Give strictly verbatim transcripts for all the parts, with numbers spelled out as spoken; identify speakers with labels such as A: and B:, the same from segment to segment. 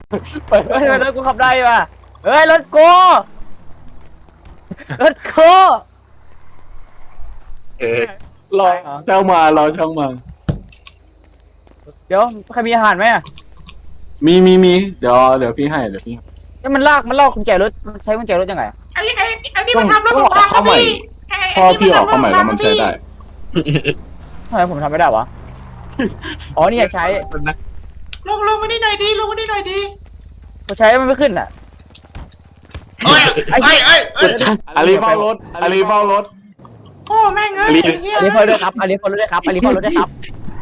A: เฮ้ยรถกูขับได้ป่ะเฮ้ยรถกูรถกู
B: เออ
C: รอช่างมารอช่างมา
A: เดี๋ยวใครมีอาหารไหมอ่ะ
C: มีมีมีเดี๋ยวเดี๋ยวพี่ให้เดี๋ยวพี่
A: นี่มันลากมันลากกุญแจรถมันใช้กุญแจรถยังไง
D: ไอ้ไอ้ไอ้นี่
C: ต้
D: มั
C: อง
D: นทำรถ
C: ต้
D: ผ
C: อง
D: มพังครั
C: เข้า
D: บ
C: ใหม่
D: พี่ไไ
C: พอพี่ออกเข้าใหม่แล้วมันใช้ได้
A: ทำไมผมทำไม่ได้วะอ๋อนี่ใช้
D: ลงลงมานี่หน่อยดีลงมานี่หน่อยดี
A: เขาใช้มันไม่ขึ้นอ่ะ
D: เอ้ยเอ้ยเอ้ยเอ้ย
C: อาลีเฝ้ารถอาลีเฝ้ารถ
D: โอ้แม่งเอ้ยไอ้เหี้ย
A: อันนี้พอด้วยครับอันนี้พอด้วยครับอันนี้พอด้วยครับ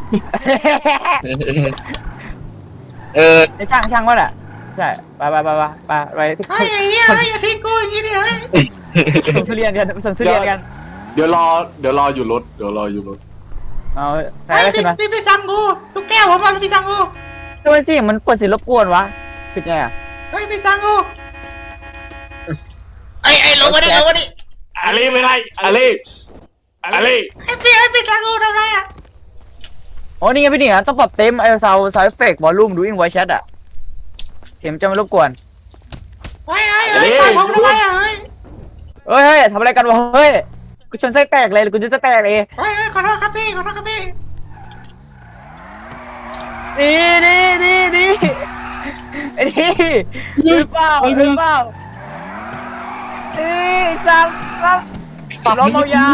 B: เออ
A: ไอ้ช่างช่างวะน่ะใช่ไปไปไปไปไปไปที่
D: ไอ้ไอ้เหี้ยไอ้อย่าทิ้งกูอย่างงี้ดิเฮ้ย
A: ส่งทุเรียนกันส่งทุเรียนกัน
C: เดี๋ยวรอเดี๋ยวรออยู่รถเดี๋ยวรออยู่รถ
A: เอาใคร
D: ไอ้
A: ได้
D: พี่
A: ขึ้นมา
D: พี่พี่สั่งกูลูกแก้วผมมาพี่สั่งกู
A: ทำไมสิมันเปิดเสียงรบกวนวะปิดไงอ่ะ
D: เฮ้ยพี่สั่งกูไอ้ไอ้ลงมาดิลงมาดิ
C: อาลีไม่ได้อาลีอาลี
D: ไอ้พี่ไอ้พี่สั่งกูทำไรอ่ะ
A: อ๋อนี่ไงพี่นี่อ่ะต้องปรับเต็มไอ้ซาวซาวเอฟเฟกต์วอลลุ่มดูอิงไวแชทอ่ะเสียงจะไม่รบกวน
D: ไอ้ไอ้ไอ้ปล่อยผมทำไมอ่ะเฮ้ย
A: เฮ้ยเฮ้ยทำอะไรกันวะเฮ้ยกูชนไส้แตกเลยกูจะจะแตกเลย
D: เฮ้ยเฮ้ยขอโทษครับพี่ขอโทษครับพี่
A: นี่นี่นี่นี่ไอ้นี่หรือเปล่าหรือเปล่านี่จับจับ
C: สัตว์
A: ล้อมเอายา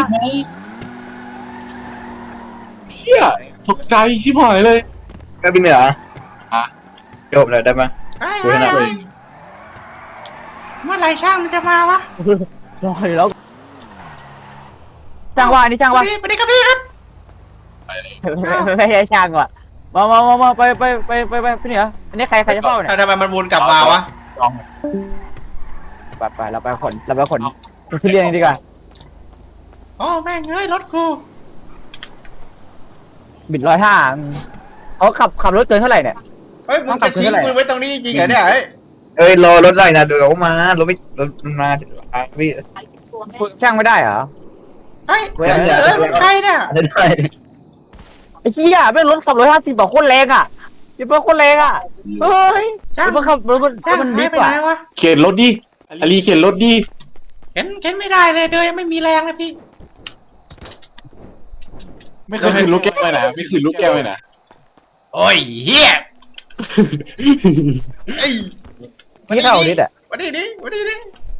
C: เชี่ยตกใจชิบหายเลย
B: ก็บินเหรอ
C: ฮะ
B: จบเลยได้ไหม
D: เฮ้ยเฮ้ยเฮ้ยเมื่อไหร่ช่างมันจะมาวะ
A: รออยู่แล้วช่างว่าอันนี้ช่างว่า
D: สวัสดีครับพี่ครับ
A: ไม่ใช่ช่างว่ะมามามามาไปไปไปไปไปพี่เหนืออันนี้ใครใครจะเฝ้าเนี่ย
D: ทำไมมันวนกลับมาวะ
A: ไปไปเราไปขนเราไปขนทุเรียนกันดีกว่า
D: โอ้แม่งเอ้ยรถกู
A: บิดร้อยห้าเขาขับขับรถเกินเท่าไหร่เนี่ย
D: เฮ้ยมึงจะทิ้งกูไว้ตรงนี้จริงเหรอเนี่ยเฮ้ย
B: เอ้ยรอรถได้นะเดี๋ยวเขามารถไม่รถมันมาพี่
A: ช่างไม่ได้เหรอ
D: เฮ้ยเฮ้ยมึงใครเนี่ย
B: ได้ได้
A: ไอ้ชี้ยไม่รถขับร้อยห้าสิบบอกโคตรแรงอ่ะยังเป็นโคตรแรงอ่ะเฮ้ย
D: ช่าง
A: มันขับรถมัน
D: ช่าง
A: มัน
D: หา
A: ดิ
D: ย
A: บ
D: ไป
A: ก
D: ไหน
A: ว่าว
D: ะ
C: เข็นรถดิอาลีเข็นรถดิ
D: เห็นเห็นไม่ได้เลยเดินยังไม่มีแรงเลยพี่
C: ไม่เคยคืนลูกแก้วไปไหนไม่คืนลูกแก้วไปไหน
D: โอ้ยเฮียไอ้
A: นี่เข้าดิดอ่ะ
D: วันนี้ดิวันนี้ดิ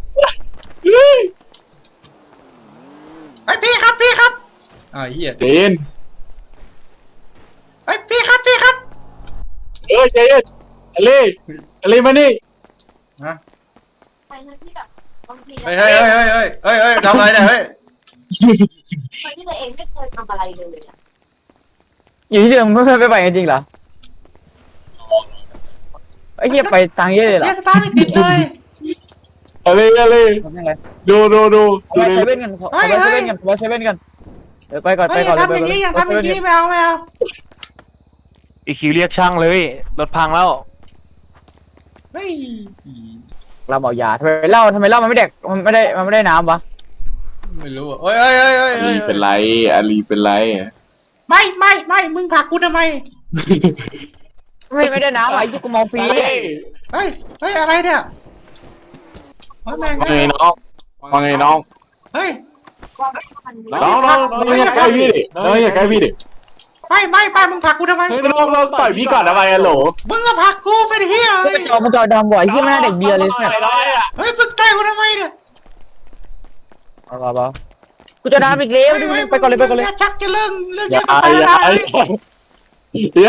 D: ไอ้พี่ครับพี่ครับอ่าเฮีย
C: เจน
D: ไอ้พี่ครับพี่ครับ
C: เออเจนอาลีอาลีมานี่
D: ฮะ
E: ไปนะที่แบบบางที
D: เฮ้ยเฮ้ยเฮ้ยเฮ้ยเฮ้ยเฮ้ยเฮ้ยทำอะไรเนี่ยเฮ้ย
E: คนที่ตัวเองไม่เคยทำอะไรเลยอะ
A: อยู่ที่เดิมไม่เคยไปไปจริงๆเหรอไอ้เหี้ยไปทางเยอะเลยเหรอ
D: เฮียสตาร์ทไม่ติดเลย
C: อาลีอาลี
A: ทำยังไง
C: ดูดูดู
A: ขอ
C: ดู
A: ไป
C: ดิ
A: เซเว่นกันขอไปเซเว่นกันขอไปเซเว่นกันเดี๋ยวไปก่อนไป
D: เฮ้ย
A: ก่อน
D: ทำอย่างนี้อย่าทำอย่างนี้ไม่เอาไม่เอา
F: อีคิวเรียกช่างเลยรถพังแล้ว
D: เฮ้ย
A: เราเมายาทำไมเหล้าทำไมเหล้ามันไม่เด็กมันไม่ได้มันไม่ได้น้ำวะ
D: ไม่รู้อ่ะเฮ้ยเฮ้ยเฮ้ยเฮ้ย
C: อา
D: เฮ้
C: ลี
D: ย
C: เป็นไรอาลีเป็นไร
D: ไม่ไม่ไม่มึงผลักกูทำไม
A: ไม่ไม่ได้น้ำไอ้ที่กูมองฟรี
C: เฮ้ย
D: เฮ้ยเฮ้ยอะไรเนี่ยเฮ้ยแม่ง
C: ว่าไงน้องว่าไงน้อง
D: เฮ้ย
E: ว่ามันไม่
C: น้องน้องน้องอย่าใกล้พี่ดิน้องอย่าใกล้พี่ดิ
D: ไม่ไม่ไม่มึงผลักกูทำไม
C: เฮ้ยน้องน้องต่อยพี่ก่อนทำไมอะโหล
D: มึงก็ผลักกูเป็นเฮีย
A: ก็
D: เฮ้
A: ไป
D: ย
A: จอมันจอดำบ่อยที่ไม่น่าเด็กเบียร์เลยเนี่ย
C: ต่อยอะ
D: เฮ้ยมึงต่อยกูทำไมเนี่ย
A: เอาเอาเอากูจะน้ำอีกแล้วดิไปก่อนเลยไปก่อนเลย
D: าชักจะเรื่องเรื่อง
C: อ
D: เย
C: ย่า
D: อะกันไป
C: อย่า
D: แล้ว
C: อย่า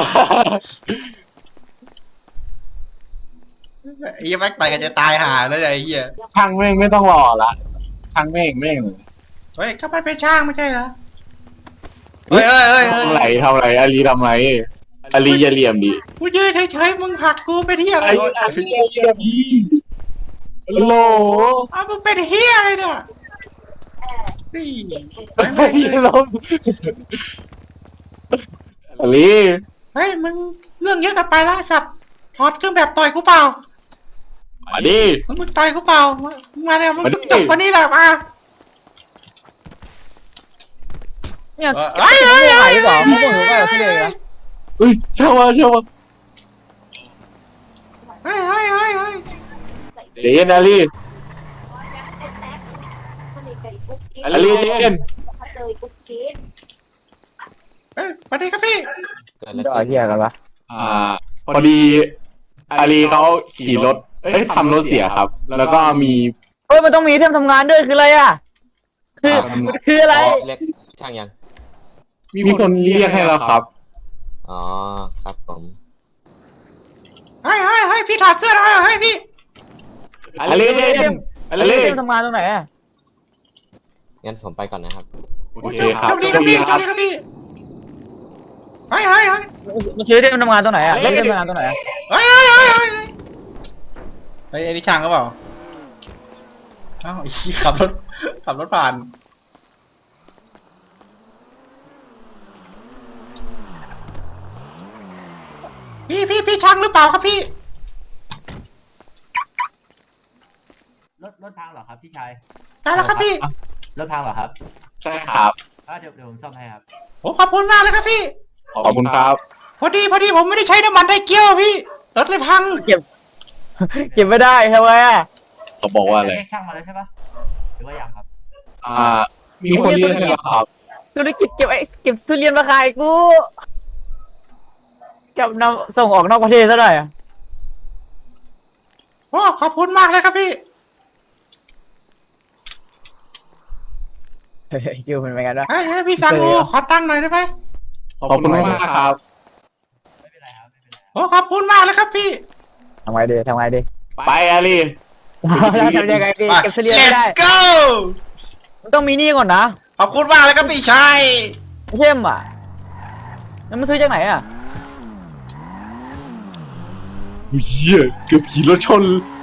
D: ไอ้เหี้ยแม็กต่อยกันจะตายห่าแล้วไอ้เหี้ย
C: ช่างแม่งไม่ต้องรอละช่างแม่งแม่ง
D: เฮ้ยก็มันเป็นช่างไม่ใช่เหรอเฮ้ยเฮ้ยเฮ้ย
C: ทำไรทำไรอาลีทำไรอาลีอย่าเหลี่ยมดิ
D: กูยืนเฉยๆมึงผลักกูเป็นเฮียอะไร
C: อาลีอาลีอย่าเหลี่ยมดิโหล
D: อ้าวมึงเป็นเฮียอะไรเนี่ยนี่
C: อาลีลมอาลี
D: เฮ้ยมึงเรื่องเยอะกันไปแล้วสัตว์ถอดเครื่องแบบต่อยกูเปล่า
C: มาดิ
D: มึงมึงต่อยกูเปล่ามึงมาเนี่ยมึง
C: มาดิ
D: จบวันนี้แหละมา
A: เนี่ย
D: เฮ้ยเฮ้ย
A: ไม่
D: เฮ้
A: หาย
D: ย
A: หรือเปล่าไม่บอกหรือเปล่าพี่เลยนะ
C: เฮ้ยช่างว่าช่างว่า
D: เฮ้ยเฮ้ย
C: ใจเย็นอาลีอาลีใจเย็น
E: เลยกุ๊กกิ๊ก
D: เอ้ยสวัสดีครับพี่
G: เกิดอะไร
A: จะเอา
G: ขึ้น
A: เฮียกันปะ
C: อ่าพอดีอาลีเขาขี่รถเอ้ยทำรถเสียครับ แล้วก็มี
A: เฮ้ยมันต้องมีเทมทำงานด้วยคืออะไรอ่ะคือ
C: อ่า
A: คืออะไร
G: เรียกช่างยัง
C: มีคนเรียกให้แล้วครับ
G: อ๋อครับผม
D: เฮ้ยเฮ้ยเฮ้ยพี่ถอดเสื้อหน่อยเฮ้ยพี่
C: อาลีใจเย็นอาลี
A: เทมทำงานตรงไหนอ่ะ
G: งั้นผมไปก่อนนะครับ
C: โอ
D: โอ้ย
C: เคครับ
D: โชคดีครับพี่โชคดีครับพี่เฮ้ยเฮ้ยเฮ้ย
A: มันซื้อเทมทำงานตรงไหนอ่ะเล่นเทมทำงานตรงไหนอะ
D: เฮ้ยเฮ้ยเฮ้ยเฮ้ยเฮ้ยเฮ้ยไอ้นี่ช่างก็เปล่าอ้าวไอ้ขี้ขับรถขับรถผ่านพี่พี่พี่ช่างหรือเปล่าครับพี่
H: รถรถพังเหรอครับพี่ชาย
D: ใช่แล้วครับพี่
H: รถพังเหรอครับ
C: ใช่ครับ
H: อ่าเดี๋ยวเดี๋ยวผมซ่อมให้ครับ
D: โอ้ขอบคุณมากเลยครับพี่
C: ขอบคุณครับ
D: พอดีพอดีผมไม่ได้ใช้น้ำมันไดเกียวพี่รถเลยพัง
A: เก็บเก็บไม่ได้ทำไมอ่ะ
C: เขาบอกว่าอะไร
H: เรียกช่างมาแล้วใช่ปะหรือว่ายังครับ
C: อ่า มีคนเรียกให้แล้วครับ
A: ธุรกิจเก็บไอ้เก็บทุเรียนมาขายกูจับนำส่งออกนอกประเทศซะหน่อยอะ
D: โอ้ขอบคุณมากเลยครับพี่
A: เฮ้ยคิวเป็นไงกันวะ
D: เฮ้ยเฮ้ยพี่สังโอขอตังค์หน่อยได้ไหม
C: ขอบคุณมากครับ
H: ไม่เป็นไรครับไม่เป็นไร
D: โอ้ขอบคุณมากเลยครับพี่
A: ทำไงดีทำไงดี
C: ไปอาลี
A: แล้วทำยังไงดีเก็บทุเรียนไม่ได้
D: Let's go
A: มันต้องมีหนี่ก่อนนะ
D: ขอบคุณมากเลยครับพี่ชาย
A: เช่มอ่ะแล้วมันซื้อจากไหนอ่ะ
C: เฮียเกือบขี่รถชน